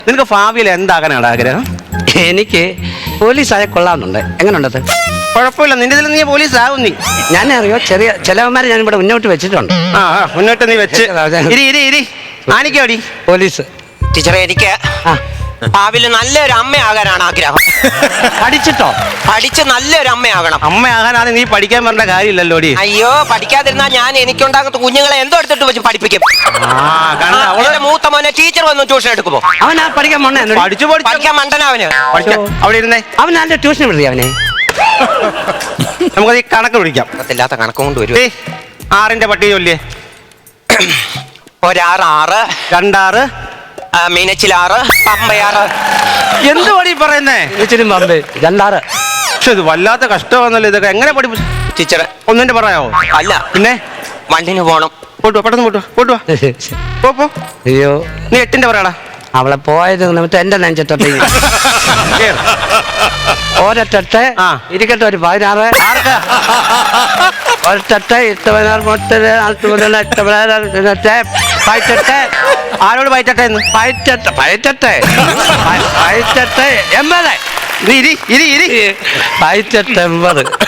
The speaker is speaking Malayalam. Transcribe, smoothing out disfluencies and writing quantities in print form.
നിനക്ക് ഭാവിയിൽ എന്താകാനാണ് ആഗ്രഹം? എനിക്ക് പോലീസായ കൊള്ളാമെന്നുണ്ട്. എങ്ങനെയുണ്ടത്? കുഴപ്പമില്ല, നിന്റെ ഇതിൽ നീ പോലീസ് ആകും. നീ ഞാൻ അറിയോ ചെറിയ ചിലവന്മാരെ ഞാൻ ഇവിടെ മുന്നോട്ട് വെച്ചിട്ടുണ്ട്. മുന്നോട്ട് നീ വെച്ച് ഇരി ആനിക്കോടി പോലീസ്. ടീച്ചറെ, എനിക്ക് ഭാവിയിൽ നല്ലൊരു അമ്മയാകാനാണ് ആഗ്രഹം. പഠിച്ചിട്ടോ? പഠിച്ച് നല്ലൊരു അമ്മയാകണം. അമ്മയാകാനാണ് നീ പഠിക്കാൻ പറഞ്ഞ കാര്യമില്ലല്ലോടി. അയ്യോ, പഠിക്കാതിരുന്നാ ഞാൻ എനിക്കുണ്ടാകുന്ന കുഞ്ഞുങ്ങളെ എന്തോ എടുത്തിട്ട് വെച്ച് പഠിപ്പിക്കും. അവന്റെ മൂത്ത മോനെ ടീച്ചർ വന്ന് ട്യൂഷൻ എടുക്കുമോ? അവനാ പഠിക്കാൻ മണ്ണ പഠിക്കാൻ മണ്ടനവന്. അവിടെ ഇരുന്നേ. അവൻ നല്ല ട്യൂഷൻ വിടുതി അവനെ. നമുക്ക് ഈ കണക്ക് പിടിക്കാം. ഇല്ലാത്ത കണക്കും കൊണ്ട് വരും. 6ന്റെ പട്ടിക ചൊല്ലിയേ. 1 6 2 6 മീനച്ചിൽ 6 പമ്പ 6. എന്ത് പടി പറയുന്നേ? പമ്പ് 2 6. പക്ഷെ ഇത് വല്ലാത്ത കഷ്ടമാണല്ലോ. ഇതൊക്കെ എങ്ങനെ പഠിപ്പിച്ചു? ടീച്ചറെ, ഒന്നിന്റെ പറയാവോ? അല്ല, പിന്നെ വണ്ടിന് പോണം. പോട്ടുവാ, പെട്ടെന്ന് പോട്ടുവാ. പോ. അയ്യോ, നീ 8ന്റെ പറയാടാ. അവളെ പോയത് എന്നിട്ട് എന്റെ നെഞ്ചത്തോട്ട് ഒരൊട്ടെ ഇരിക്കട്ടെ. ഒരു 16 ഒരൊട്ടെ 8 16 പയറ്റട്ടെ. ആരോട് പയറ്റട്ടെ എന്ന്? പയറ്റട്ടെ 80. ഇരി പയറ്റട്ടെ 80.